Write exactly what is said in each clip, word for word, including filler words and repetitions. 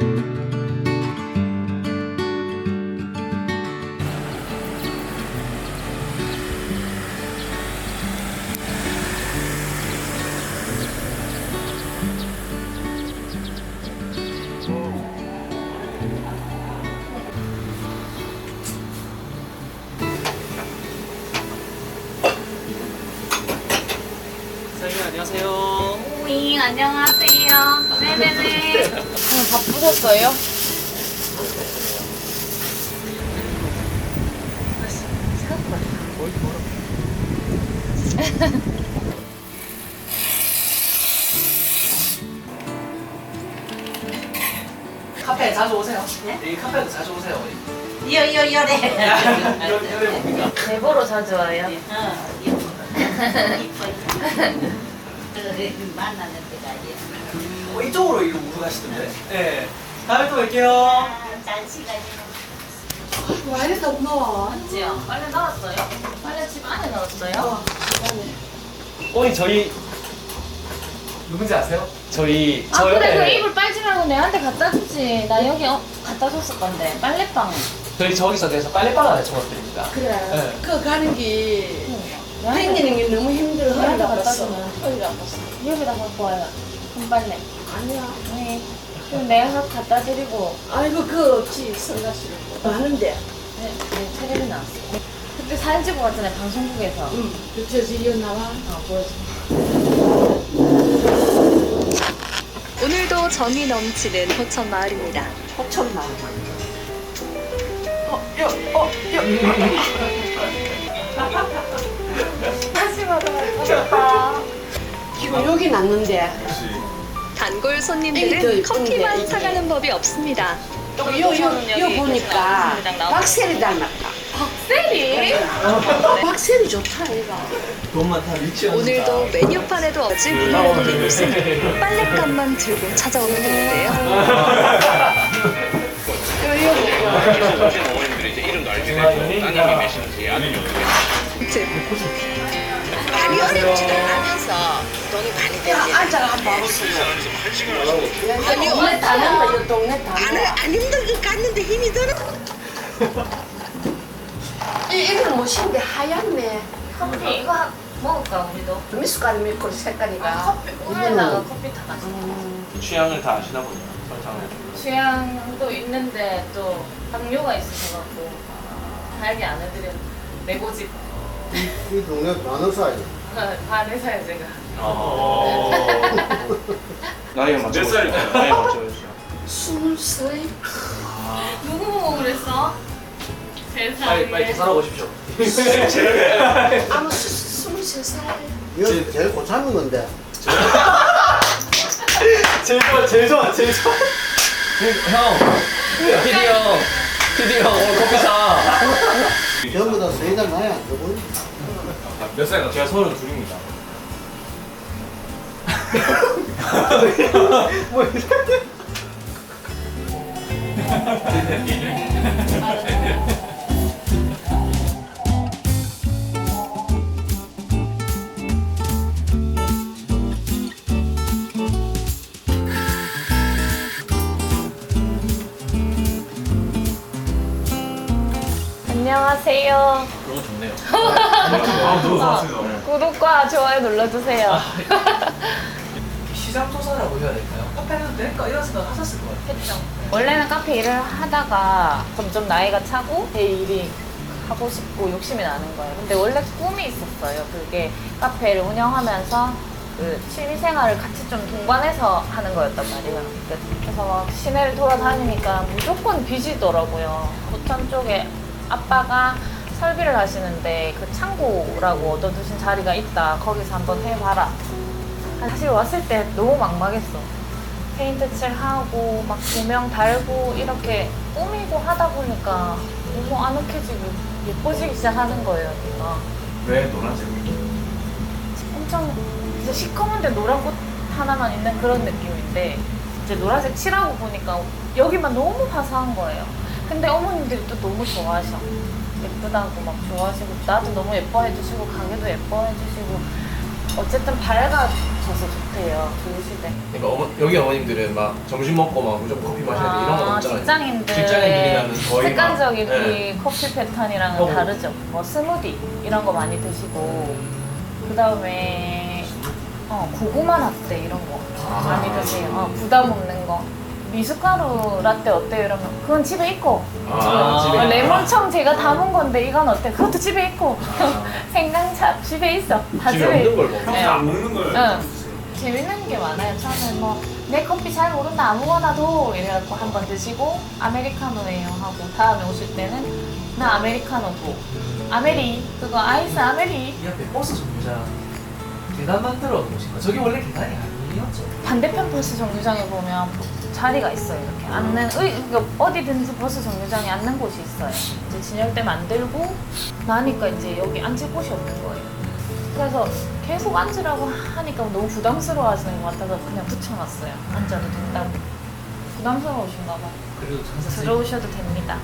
안녕하세요. 네, 안녕하세요. 네네네. 오늘 바쁘셨어요? 카페에 자주 오세요. 네? 이 카페도 자주 오세요. 이요 이요 이요래. 여기 뭡니까? 대보로 자주 와요. 어, 이뻐. 이뻐. 만나는 데가 아니야. 어, 이쪽으로 이거 우로 가시던데. 네. 다음에 또 뵐게요. 아, 짠 시간이. 와 이랬다 고마워. 맞지요? 빨래 나왔어요? 빨래 집 안에 넣었어요? 어머니 저희 누군지 아세요? 저희 아 그래 그 이불 빨지 말고 내한테 갖다 주지. 나 여기 어, 갖다 줬을 건데 빨래방. 저희 저기서 내서 빨래방 안에 청소드립니다. 그래. 네. 그 가는 게 내한테 땡기는 게 너무 힘들어. 내한테 허리가 갖다 아팠어. 주면 허리가 아팠어. 여기다 갖고 와요. 손빨래. 아니야. 네. 그럼 내가 갖다 드리고. 아이고 그거 없지 성가시고 많은데. 네, 네 테레비 나왔어. 그때 사진 찍고 갔잖아요 방송국에서. 응. 그저 지리어 나와. 아 보여줘. 오늘도 정이 넘치는 호천 마을입니다. 호천 나와. 어, 여, 어, 여. 다시 받아갈 싶다. 이거 여기 났는데. 단골 애기 더 손님들은 이쁜데, 커피만 이게. 사가는 법이 없습니다. 요, 요, 요, 요 보니까 박세리 닮았다. 박세리? 박세리 좋다 얘가. 돈 많다 유치원. 오늘도 메뉴판에도 없이 문을 돌린 곳은 빨랫감만 들고 찾아오는 분인데요. 오신 어머님들이 이제 이름도 알게 되고 따님이 계시는지 아들이 어떻게 많이 어렵지도 않으면서 돈이 많이 야, 들지. 앉아라 한번 봐보세요. 한 시간 하고 아니, 동네 다 난다, 이 동네 다 안, 난다. 안 힘들게 갔는데 힘이 들어. 이, 이거는 뭐신데 하얗네. 커피 이거 한, 먹을까 우리도? 미숫가루 밀고 색깔이가. 우유에다가 커피 타다. 취향을 다 아시나 보네요. 설탕을. 취향도 있는데 또 당뇨가 있으셔갖고 달게 안 해드려. 내고집 이 동네 많은 사이. 반해서요 제가. 어. 나이가 맞춰. 몇 살일까요? 나이 맞춰주세요. 스물 살. 누구 보고 그랬어? 세상에. 빨리 빨리 계산하고 오십시오. 아마 스- 스물세 살. 이거 제일 고참인 건데. 제일 좋아 제일 좋아 제일 좋아. 형. 피디 형. 피디 형 오늘 커피 사. 전부 다 세달 나이 안 되고. 몇 살인가? 제가 서른 둘입니다. 뭐 이렇게. 안녕하세요. 너무 좋네요. 아 너무 좋았어요. 구독과 좋아요 눌러주세요. 시장 조사라고 해야 될까요? 카페는 될까 이런 생각 하셨을 것 같아요. 했죠. 원래는 카페 일을 하다가 점점 나이가 차고 제 일이 하고 싶고 욕심이 나는 거예요. 근데 원래 꿈이 있었어요. 그게 카페를 운영하면서 그 취미생활을 같이 좀 동반해서 하는 거였단 말이에요. 그래서 막 시내를 돌아다니니까 무조건 빚이더라고요. 부천 쪽에 아빠가 설비를 하시는데 그 창고라고 얻어두신 자리가 있다. 거기서 한번 해봐라. 사실 왔을 때 너무 막막했어. 페인트 칠하고 막 조명 달고 이렇게 꾸미고 하다 보니까 너무 아늑해지고 예뻐지기 시작하는 거예요. 여기가. 왜 노란색이? 엄청 이제 시커먼데 노란 꽃 하나만 있는 그런 느낌인데 이제 노란색 칠하고 보니까 여기만 너무 화사한 거예요. 근데 어머님들이 또 너무 좋아하셔. 예쁘다고 막 좋아하시고 나도 너무 예뻐해 주시고 가게도 예뻐해 주시고 어쨌든 밝아져서 좋대요. 좋으시대. 그러니까 어머, 여기 어머님들은 막 점심 먹고 막 무조건 커피 마셔야 돼 이런 건 아, 없잖아요. 직장인들 직장인들이라는 거의 습관적인 막, 네. 이 커피 패턴이랑은 어. 다르죠. 뭐 스무디 이런 거 많이 드시고 그 다음에 어, 고구마 라떼 이런 거 아. 많이 드세요. 어, 부담 없는 거. 미숫가루 라떼 어때요? 이러면 그건 집에 있고 아, 집에 어, 있다. 레몬청 제가 담은 건데 이건 어때? 그것도 집에 있고 생강차 집에 있어. 다 집에 없는 걸 먹어. 네. 안 먹는 걸 응. 재밌는 게 많아요. 처음에 뭐 내 커피 잘 모른다 아무거나 도 이래갖고 한 번 드시고 아메리카노예요 하고 다음에 오실 때는 나 아메리카노 도 아메리 그거 아이스 아메리 이 앞에 버스 정류장 계단 만들어 놓으신 거. 저게 원래 계단이 아니었죠? 반대편 버스 정류장에 보면 자리가 있어요. 이렇게 앉는 의, 그러니까 어디든지 버스 정류장에 앉는 곳이 있어요. 이제 진열대 만들고 나니까 이제 여기 앉을 곳이 없는 거예요. 그래서 계속 앉으라고 하니까 너무 부담스러워하시는 것 같아서 그냥 붙여놨어요. 앉아도 된다고. 부담스러우신가 봐요. 그래도 항상 들어오셔도 됩니다.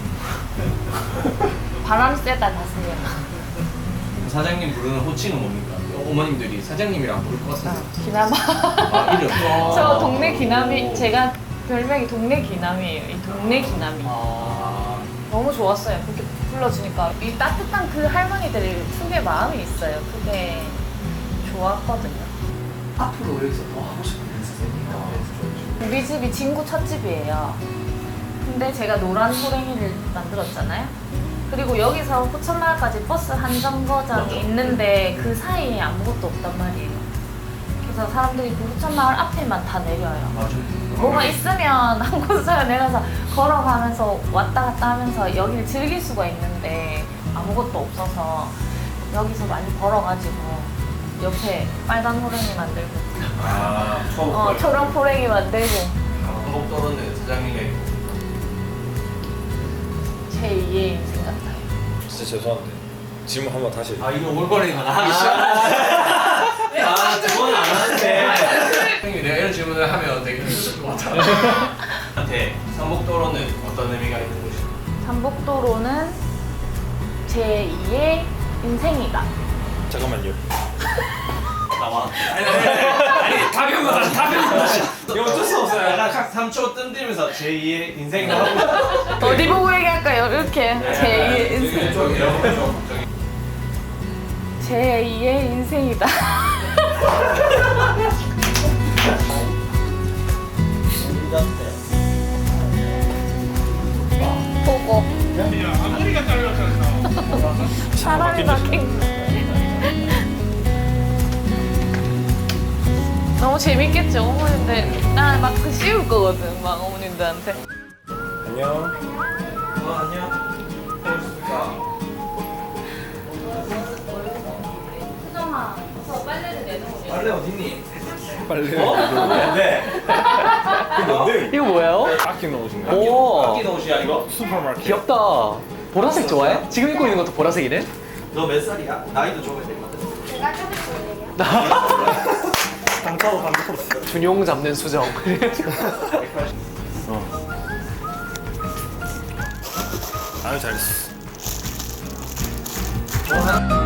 바람 쐬다 가세요. 사장님 부르는 호칭은 뭡니까? 어머님들이 사장님이랑 부를 것 같아요. 기남아. 아 이름. 저 동네 기남이 제가 별명이 동네 기남이에요. 이 동네 기남이. 아. 너무 좋았어요. 그렇게 불러주니까 이 따뜻한 그 할머니들이 특유의 마음이 있어요. 그게 좋았거든요. 앞으로 여기서 더 하고 싶은 게 있으세요? 우리 집이 진구 첫 집이에요. 근데 제가 노란 호랭이를 만들었잖아요. 그리고 여기서 호천마을까지 버스 한 정거장이 맞아. 있는데 그 사이에 아무것도 없단 말이에요. 그래서 사람들이 그 호천마을 앞에만 다 내려요. 맞아요. 뭐가 있으면 한 곳을 내려서 걸어가면서 왔다 갔다 하면서 여기를 즐길 수가 있는데 아무것도 없어서 여기서 많이 걸어가지고 옆에 빨간 호랭이 만들고 아, 처음 어, 초록 호랭이 만들고 한복 떨어는 사장님의 제이의 인생 같아요. 진짜 죄송한데 질문 한번 다시 아 이거 올거리가 하기 시작하네. 아 그건 안 하는데. 형님 내가 이런 질문을 하면 되게 힘들 것 같아. 한테 삼복도로는 어떤 의미가 있는 곳이에요? 삼복도로는 제이의 인생이다. 잠깐만요. 나와. 아니 아니 아니, 아니 다 배운 거 다시 다 배운 거 다시. 이거 어쩔 수 없어요. 약간 각 삼 초 뜸들면서 제이의 인생을 하고. 어디 보고 얘기할까요? 이렇게 제이의 인생. 제이의 인생이다. 보고. 앞머리가 잘렸잖아. 사람이 바뀐. 너무 재밌겠죠, 어머님들. 나막 그 씌울 거거든, 막 어머님들한테. 안녕. 어 안녕. 안녕하십니까. 수정아, 저 빨래를 내놓으세요. 빨래 어딨니? 빨리. 어? 네. 뭔데? 이거 뭐예요? 아끼 넣으신 거? 오, 아끼 넣으시야 이거? 슈퍼마켓. 귀엽다. 보라색 좋아해? 지금 입고 있는 것도 보라색이네? 너 몇 살이야? 나이도 적어야 될 것 같아. 제가 좀 보여요. 단타로 단타로. 준용 잡는 수정. 아유 잘했어. 어, 하나.